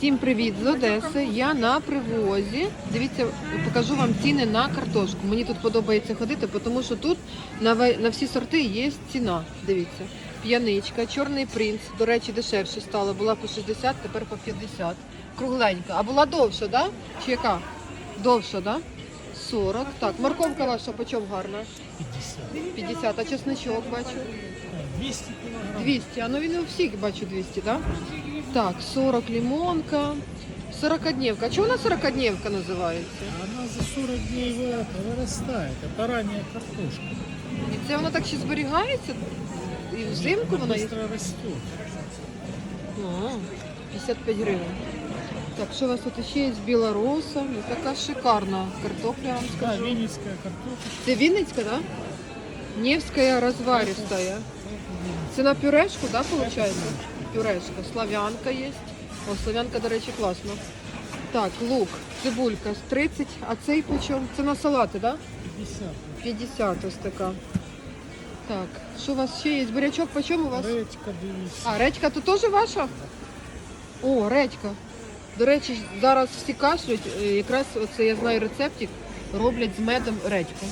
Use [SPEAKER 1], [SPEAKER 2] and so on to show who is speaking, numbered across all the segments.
[SPEAKER 1] Всім привіт з Одеси, я на привозі. Дивіться, покажу вам ціни на картошку. Мені тут подобається ходити, тому що тут на всі сорти є ціна. Дивіться, п'яничка, чорний принц, до речі, дешевше стало. Була по 60, тепер по 50. Кругленька. А була довша, да? Чи яка? Довша, да? 40. Так, морковка ваша по чому гарна?
[SPEAKER 2] 50.
[SPEAKER 1] 50, а чесничок бачу?
[SPEAKER 2] 200 килограмм.
[SPEAKER 1] 200, а ну він у всіх бачу 200, да? Так, 40 лимонка, 40-дневка. А чого вона 40-дневка називається?
[SPEAKER 2] Она за 40 дней вырастает. Это ранняя картошка.
[SPEAKER 1] І це вона так ще зберігається? І взимку вона є?
[SPEAKER 2] Быстро растет.
[SPEAKER 1] О, 55 гривень. Так, що у вас тут ще є? Білороса. Ну, така шикарна картопля, я вам
[SPEAKER 2] Да,
[SPEAKER 1] скажу.
[SPEAKER 2] венецкая картошка.
[SPEAKER 1] Це Вінницька, да? Невська розваристая. Це на пюрешку, да, виходить? Пюрешка. Славянка є. О, славянка, до речі, класно. Так, лук, цибулька з 30, а цей по чому? Це на салати, да?
[SPEAKER 2] 50.
[SPEAKER 1] 50 ось така. Так, що у вас ще є? Бурячок по чому у вас?
[SPEAKER 2] Редька 200.
[SPEAKER 1] А, редька то теж ваша? О, редька. До речі, зараз всі кашлють, якраз оце я знаю рецептик, роблять з медом редьку.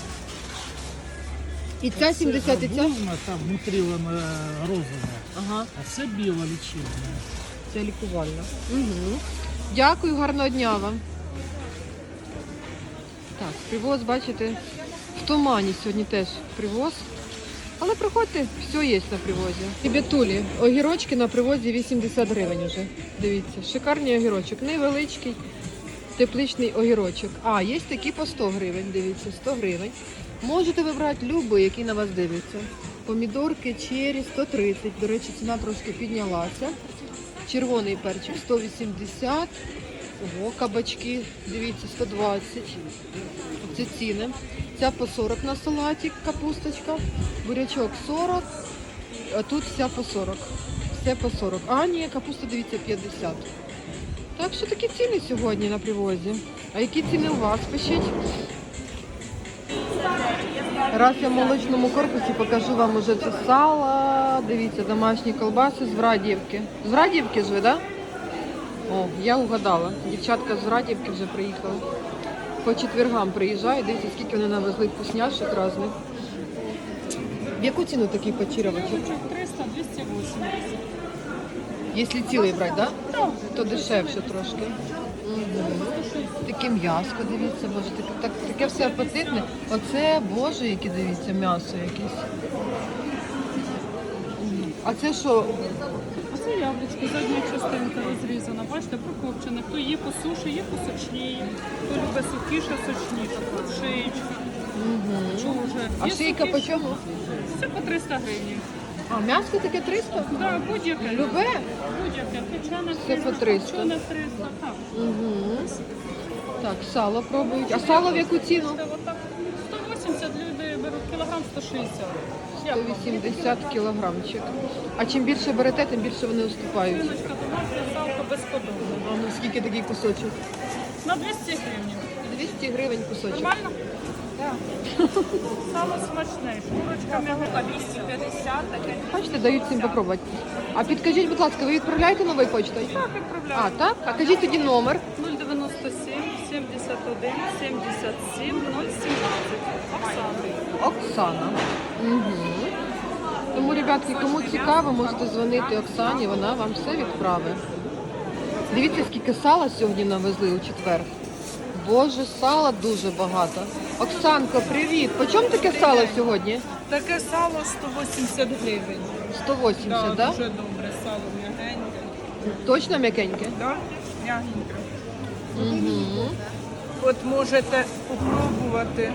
[SPEAKER 1] І ця 70, і ця?
[SPEAKER 2] Гарбузна, там внутри вона розова.
[SPEAKER 1] Ага,
[SPEAKER 2] А це біла лічильна.
[SPEAKER 1] це лікувальна. Угу. Дякую, гарного дня вам. Так, привоз, бачите, в тумані сьогодні теж привоз. Але приходьте, все є на привозі. І бетулі, огірочки на привозі 80 гривень вже. Дивіться, шикарний огірочок, невеличкий, тепличний огірочок. А, є такі по 100 гривень, дивіться, 100 гривень. Можете вибрати любий, який на вас дивиться. Помідорки, чері 130, до речі, ціна трошки піднялася. Червоний перчик 180. Ого, кабачки, дивіться, 120. Це ціни. Ця по 40 на салатик, капусточка. Бурячок 40, а тут вся по 40. Все по 40. А, ні, капуста, дивіться, 50. Так що такі ціни сьогодні на привозі. А які ціни у вас, пишіть? Раз я в молочному корпусі покажу вам уже це сало. Дивіться, домашні колбаси з Врадіївки. З Врадіївки ж ви, так? Да? О, я угадала. Дівчатка з Врадіївки вже приїхали. По четвергам приїжджають. Дивіться, скільки вони навезли вкусняшок різних. В яку ціну такий почерьовочок?
[SPEAKER 3] 300, 280.
[SPEAKER 1] Якщо цілий брати, да? То дешевше трошки. Угу. Таке м'яско, дивіться, боже, таке все апетитне. Оце, боже, яке, дивіться, м'ясо якесь. А це що?
[SPEAKER 3] Оце яблучко, задня частинка розрізана. Бачите, прокопчене. Хто є по суші, є по сочній. Хто любить сухіше, сочніше. Тут шиєчка. Чого вже?
[SPEAKER 1] А
[SPEAKER 3] Є
[SPEAKER 1] шийка по
[SPEAKER 3] сухіше.
[SPEAKER 1] чому?
[SPEAKER 3] Все по 300 гривень.
[SPEAKER 1] А, м'ясо таке 300?
[SPEAKER 3] Да, будь-яке.
[SPEAKER 1] Любе?
[SPEAKER 3] Будь-яке. Печене
[SPEAKER 1] Все по 300.
[SPEAKER 3] Печене 300, так.
[SPEAKER 1] Угу. Так, сало пробують. А сало в яку ціну?
[SPEAKER 3] Це отак. 180 люди беруть кілограм 160. Як вам?
[SPEAKER 1] 180 кілограмчик. А чим більше берете, тим більше вони уступають.
[SPEAKER 3] Шиночка домашня, салко безподобне.
[SPEAKER 1] А ну скільки такий кусочок?
[SPEAKER 3] На 200 гривень.
[SPEAKER 1] 200 гривень кусочок.
[SPEAKER 3] Нормально? Так. Сало смачне. Шкурочка м'яка 250, таке.
[SPEAKER 1] Бачите, дають всім попробувати. А підкажіть, будь ласка, ви відправляєте новою почтою?
[SPEAKER 3] Так, відправляю.
[SPEAKER 1] А, так? А кажіть тоді номер.
[SPEAKER 3] 097 71 77 017. Оксана.
[SPEAKER 1] Оксана. Угу. Тому, ребятки, кому цікаво, можете дзвонити Оксані, вона вам все відправить. Дивіться, скільки сала сьогодні навезли у четвер. Боже, сала дуже багато. Оксанко, привіт! По чому таке сало сьогодні?
[SPEAKER 3] Таке сало 180 гривень.
[SPEAKER 1] 180, так? Да?
[SPEAKER 3] Дуже добре сало, м'ягеньке.
[SPEAKER 1] Точно м'якеньке?
[SPEAKER 3] Так, м'ягеньке.
[SPEAKER 1] Угу.
[SPEAKER 3] От можете спробувати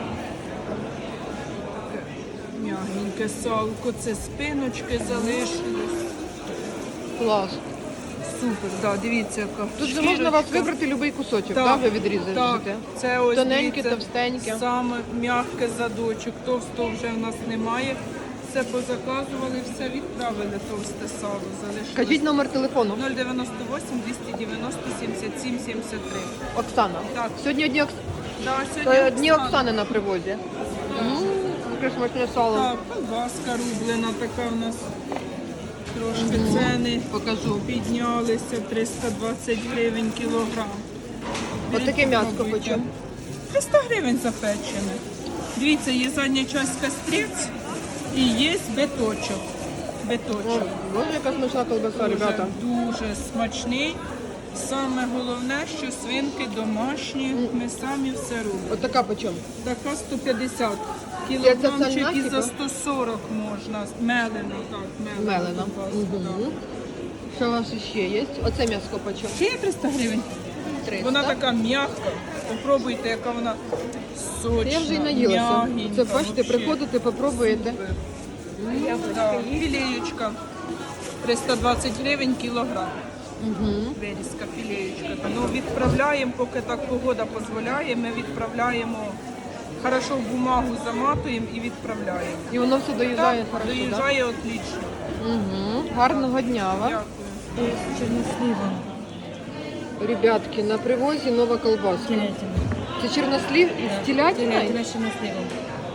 [SPEAKER 3] м'ягеньке салко, це спиночки залишились.
[SPEAKER 1] Клас.
[SPEAKER 3] Супер, да, дивіться, яка
[SPEAKER 1] Тут же можна вас вибрати будь-який кусочок, так? Ви відрізаєте?
[SPEAKER 3] Так, це ось
[SPEAKER 1] Тоненьке,
[SPEAKER 3] дивіться,
[SPEAKER 1] товстеньке.
[SPEAKER 3] саме м'яке задочок, товстого вже в нас немає. Все позаказували, все відправили, товсте сало залишилось.
[SPEAKER 1] Кажіть номер телефону.
[SPEAKER 3] 098 290 77 73.
[SPEAKER 1] Оксана.
[SPEAKER 3] Так.
[SPEAKER 1] Сьогодні одні,
[SPEAKER 3] Да, сьогодні
[SPEAKER 1] дні Оксани на привозі. Яке смачне сало.
[SPEAKER 3] Так, колбаска рублена така в нас. Трошки ціни
[SPEAKER 1] Покажу.
[SPEAKER 3] піднялися 320 гривень кілограм.
[SPEAKER 1] Отаке м'ясо
[SPEAKER 3] Пробуйте.
[SPEAKER 1] почем?
[SPEAKER 3] 300 гривень запечене. Дивіться, є задня часть кастриць і є биточок. Биточок.
[SPEAKER 1] Боже, яка смачна колбаса, ребята.
[SPEAKER 3] Дуже смачний. Саме головне, що свинки домашні, ми самі все робимо.
[SPEAKER 1] Отака почем?
[SPEAKER 3] Така 150
[SPEAKER 1] Це
[SPEAKER 3] кілограмчик
[SPEAKER 1] цельна,
[SPEAKER 3] і
[SPEAKER 1] типу?
[SPEAKER 3] за 140 можна. Мелено, так, мелено.
[SPEAKER 1] Мелена.
[SPEAKER 3] ковбасу,
[SPEAKER 1] Угу. Що у вас ще є? Оце м'ясо почем?
[SPEAKER 3] Ще є 300 гривень.
[SPEAKER 1] 300.
[SPEAKER 3] Вона така м'яка. Попробуйте, яка вона сочна,
[SPEAKER 1] Я вже й наїлася.
[SPEAKER 3] м'ягенька,
[SPEAKER 1] Це бачите,
[SPEAKER 3] вообще.
[SPEAKER 1] приходите, попробуєте.
[SPEAKER 3] Да, філеєчка. 320 гривень кілограм.
[SPEAKER 1] Угу.
[SPEAKER 3] Вирізка, філеєчка. Ну, відправляємо, поки так погода дозволяє, ми відправляємо, хорошо в бумагу заматуємо і відправляємо.
[SPEAKER 1] І воно все доїжджає
[SPEAKER 3] Так,
[SPEAKER 1] хорошо, так?
[SPEAKER 3] доїжджає отлично.
[SPEAKER 1] Угу. Гарного дня вам.
[SPEAKER 3] Дякую.
[SPEAKER 1] Ребятки, на привозі нова колбаска.
[SPEAKER 4] Телятина.
[SPEAKER 1] Це чорнослів із телятиною?
[SPEAKER 4] Телятина с черносливом.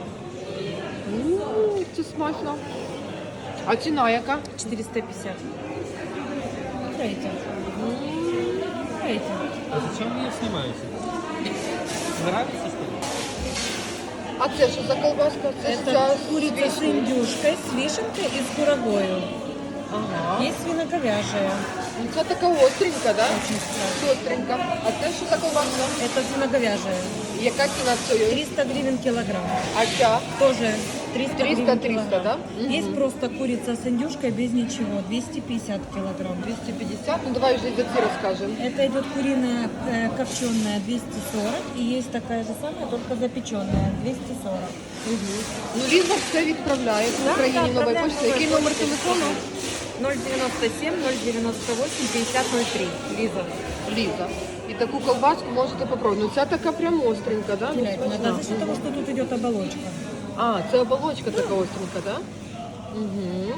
[SPEAKER 1] Це смачно. А ціна яка?
[SPEAKER 4] 450. Дайте. Дайте.
[SPEAKER 2] А зачем вы ее снимаете? Нравится, что ли?
[SPEAKER 1] А це що за колбаска? Це
[SPEAKER 4] Это
[SPEAKER 1] ця
[SPEAKER 4] курица с
[SPEAKER 1] свіжа.
[SPEAKER 4] индюшкой, с вишенкой и с курагою.
[SPEAKER 1] Ага.
[SPEAKER 4] Есть свиноговяжая.
[SPEAKER 1] Ну, це така остренька, да?
[SPEAKER 4] Очень вкусная.
[SPEAKER 1] Остренька. А це що за колбаска?
[SPEAKER 4] Это свиноговяжая.
[SPEAKER 1] Яка ціна цієї?
[SPEAKER 4] 300 гривен килограмм.
[SPEAKER 1] А ця?
[SPEAKER 4] Тоже 300 гривен
[SPEAKER 1] 300,
[SPEAKER 4] килограмм.
[SPEAKER 1] да? Мгм.
[SPEAKER 4] Есть просто курица с индюшкой без ничего. 250 килограмм.
[SPEAKER 1] 250. Ну давай вже за ці розкажемо.
[SPEAKER 4] Это идет куриная копченая 240. И есть такая же самая, только запеченная 240.
[SPEAKER 1] Ну, Ліза все відправляє в Україні нової
[SPEAKER 4] отправляємо
[SPEAKER 1] почти. Який
[SPEAKER 4] новою
[SPEAKER 1] номер
[SPEAKER 4] поштою.
[SPEAKER 1] телефону?
[SPEAKER 4] 097 098 5003. Лиза.
[SPEAKER 1] Ліза. І таку колбаску можете попробувати. Ну ця така прям остренька, да? Ну,
[SPEAKER 4] Телятина,
[SPEAKER 1] смачна.
[SPEAKER 4] да, за счет того, что тут идет оболочка.
[SPEAKER 1] А, це оболочка така остренька, да? Угу.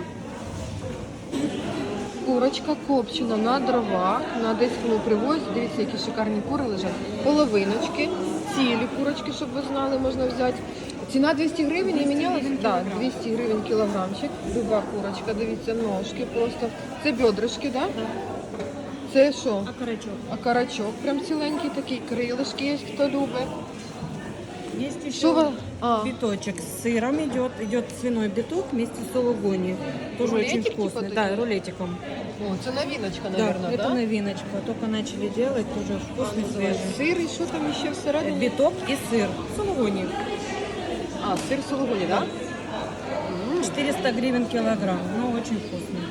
[SPEAKER 1] Курочка копчена на дровах, на одеському привозі. Дивіться, які шикарні кури лежать. Половиночки, цілі курочки, щоб ви знали, можна взяти. Ціна 200 гривень не мінялась? Так, 200 гривень кілограмчик. Люба курочка, дивіться, ножки просто. Це бедрышки, да? Це що?
[SPEAKER 4] Окорочок.
[SPEAKER 1] А карачок прям ціленький такий, крилишки є, хто любить.
[SPEAKER 4] Есть еще
[SPEAKER 1] Что вы...
[SPEAKER 4] биточек с сыром идет. Идет свиной биток вместе с сулугуни. Тоже
[SPEAKER 1] Рулетик
[SPEAKER 4] очень
[SPEAKER 1] типа
[SPEAKER 4] вкусный.
[SPEAKER 1] такие?
[SPEAKER 4] Да, рулетиком.
[SPEAKER 1] О, це новиночка,
[SPEAKER 4] Да,
[SPEAKER 1] наверное,
[SPEAKER 4] это
[SPEAKER 1] да?
[SPEAKER 4] новиночка. Только начали делать, тоже вкусный, свежий.
[SPEAKER 1] Сир і що там ще всередині?
[SPEAKER 4] Биток и сыр. Сулугуни.
[SPEAKER 1] А, сир сулугуні, да?
[SPEAKER 4] 400 гривен килограмм. Но очень вкусный.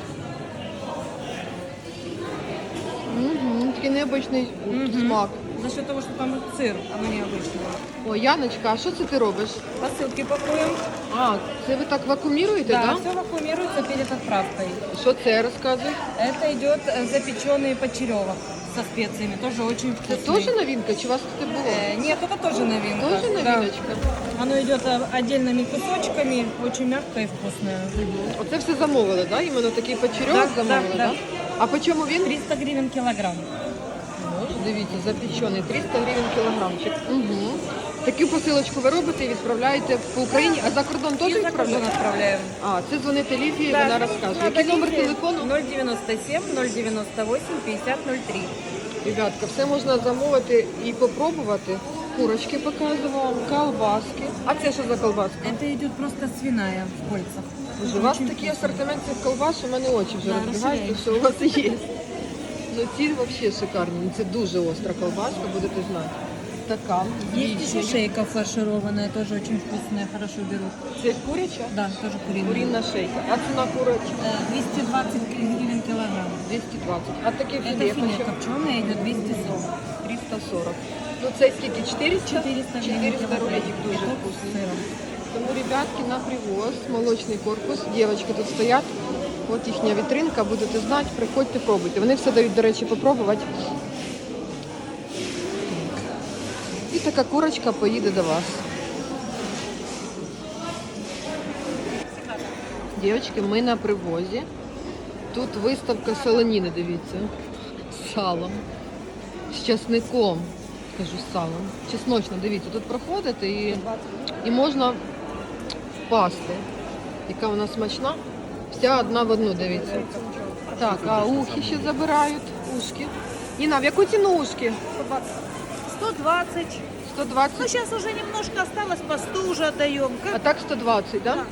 [SPEAKER 1] Угу, такий необичний смак.
[SPEAKER 4] За счет того, что там сыр, оно необычное.
[SPEAKER 1] О, Яночка, а що це ти робиш?
[SPEAKER 4] Посылки пакуем.
[SPEAKER 1] А, це ви так вакууміруєте,
[SPEAKER 4] Да,
[SPEAKER 1] да?
[SPEAKER 4] все вакуумируется перед отправкой.
[SPEAKER 1] Що це розказує?
[SPEAKER 4] Это идет запеченный почеревок со специями. Тоже очень
[SPEAKER 1] Це
[SPEAKER 4] вкусный.
[SPEAKER 1] теж новинка, чи у вас тут було?
[SPEAKER 4] Нет, это тоже новинка.
[SPEAKER 1] Тоже
[SPEAKER 4] Да.
[SPEAKER 1] новиночка?
[SPEAKER 4] Оно идет отдельными кусочками, очень мягкое и вкусное.
[SPEAKER 1] Оце все замовили, да? Іменно такий печерьок
[SPEAKER 4] Да,
[SPEAKER 1] замовили,
[SPEAKER 4] да,
[SPEAKER 1] да?
[SPEAKER 4] да.
[SPEAKER 1] А по чому він?
[SPEAKER 4] 300 гривен килограмм.
[SPEAKER 1] Ось, дивіться, запечений, 300 гривень кілограмчик. Угу. Таку посилочку ви робите і відправляєте по Україні, а за кордон теж
[SPEAKER 4] И за кордон
[SPEAKER 1] відправляєте?
[SPEAKER 4] отправляем.
[SPEAKER 1] А, це дзвонити Лідії, вона розкаже. Який номер телефону?
[SPEAKER 4] 097 098 5003.
[SPEAKER 1] Ребятка, все можна замовити і попробувати. Курочки показувала, колбаски. А це що за колбаска?
[SPEAKER 4] Это идет просто свиная в кольцах.
[SPEAKER 1] Боже, у вас
[SPEAKER 4] Очень
[SPEAKER 1] такий
[SPEAKER 4] вкусно.
[SPEAKER 1] асортимент цих колбас, що в мене очі вже
[SPEAKER 4] Да,
[SPEAKER 1] розбігаються,
[SPEAKER 4] розширяється.
[SPEAKER 1] що у вас є. Ну ці взагалі шикарні. Ну, це дуже остра колбаска, будете знати. Така.
[SPEAKER 4] Есть еще шейка фаршированная, тоже очень вкусная, хорошо берут.
[SPEAKER 1] Це куряча?
[SPEAKER 4] Да, тоже куриная.
[SPEAKER 1] Курінна шейка. А ціна курочка?
[SPEAKER 4] 220 гривен килограмм.
[SPEAKER 1] 220. А таке
[SPEAKER 4] Это
[SPEAKER 1] філе
[SPEAKER 4] филе
[SPEAKER 1] почем?
[SPEAKER 4] копченое идет 240.
[SPEAKER 1] 340. Ну це скільки? 400?
[SPEAKER 4] 400 гривен
[SPEAKER 1] 400
[SPEAKER 4] килограмм.
[SPEAKER 1] рулетик дуже
[SPEAKER 4] Биток с
[SPEAKER 1] вкусний.
[SPEAKER 4] сыром.
[SPEAKER 1] Тому, ребятки, на привоз, молочний корпус, дівчатки тут стоять, от їхня вітринка, будете знати, приходьте, пробуйте. Вони все дають, до речі, попробувати. І така курочка поїде до вас. Дівчатки, ми на привозі. Тут виставка солоніни, дивіться, з салом, з часником. Кажу, з салом. Чесночно, дивіться, тут проходите і можна впасти. Яка вона смачна. Вся одна в одну, дивіться. Так, а ухи ще забирають. Ушки. Ніна, в яку ціну ушки?
[SPEAKER 5] 120.
[SPEAKER 1] 120.
[SPEAKER 5] Ну, сейчас уже немножко осталось, по 100 уже отдаем.
[SPEAKER 1] А так 120, да?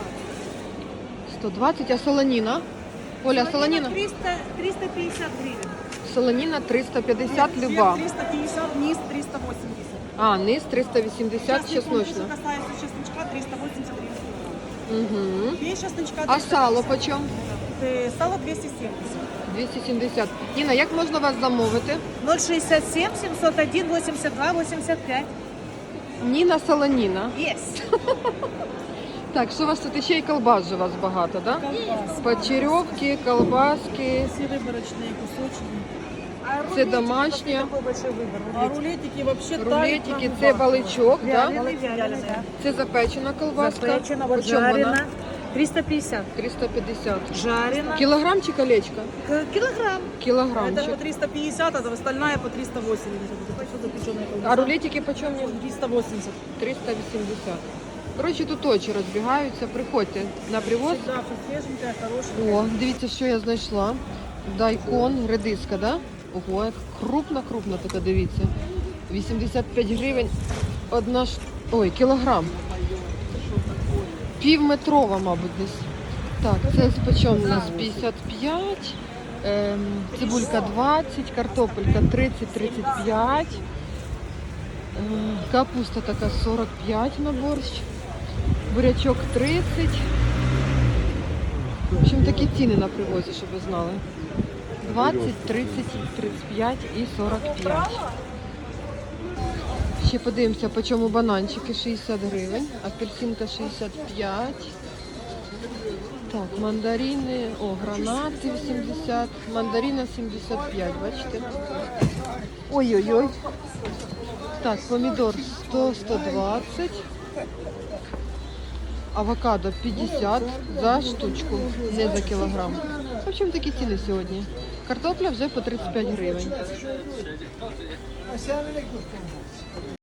[SPEAKER 1] 120, а солоніна? Оля, солоніна?
[SPEAKER 5] 350 гривен.
[SPEAKER 1] Солоніна 350 люба.
[SPEAKER 5] 350, низ 380.
[SPEAKER 1] А, низ 380 чесночна.
[SPEAKER 5] Что касается чесночка, 380 гривен.
[SPEAKER 1] Угу.
[SPEAKER 5] Без чесночка
[SPEAKER 1] А сало почем?
[SPEAKER 5] Сало 270.
[SPEAKER 1] 270. Ніна, як можна вас замовити?
[SPEAKER 5] 067 701 82 85.
[SPEAKER 1] Ніна Солоніна.
[SPEAKER 5] Есть.
[SPEAKER 1] Так, що у вас тут ще й колбас же у вас багато, да? Почерьовки, колбаски.
[SPEAKER 5] Все выборочные кусочки.
[SPEAKER 1] Це домашнє.
[SPEAKER 5] Такой большой выбор.
[SPEAKER 6] А рулетики вообще
[SPEAKER 1] Рулетики, це баличок, да?
[SPEAKER 5] Вяленый.
[SPEAKER 1] Це запечена колбаска.
[SPEAKER 5] Запечена, вот
[SPEAKER 1] Почем вона?
[SPEAKER 5] жарена. 350.
[SPEAKER 1] 350.
[SPEAKER 5] Жарена.
[SPEAKER 1] Кілограм чи колечко?
[SPEAKER 5] Килограмм.
[SPEAKER 6] Это
[SPEAKER 1] Кілограмчик.
[SPEAKER 6] по 350, а остальная по 380. Это все запеченная колбаса.
[SPEAKER 1] А рулетики почем?
[SPEAKER 6] 380.
[SPEAKER 1] 380. Коротше, тут очі розбігаються. Приходьте на привоз.
[SPEAKER 6] Всегда все свеженькое, хорошее.
[SPEAKER 1] О, дивіться, що я знайшла. Дайкон, редиска, да? Ого, як крупна така, дивіться. 85 гривень. Одна ой, кілограм. Півметрова, мабуть, десь. Так, це почем у нас 55. Цибулька 20, картопелька 30-35. Капуста така 45 на борщ. Бурячок 30. В общем, такі ціни на привозі, щоб ви знали. 20, 30, 35 і 45. Ще подивимося, по чому бананчики 60 гривень, апельсинка 65. Так, мандарини, гранати 80, мандарина 75, бачите? Ой-ой-ой. Так, помідор 100-120. Авокадо 50 за штучку, не за кілограм. В общем, такі ціни сьогодні. Картопля вже по 35 гривень.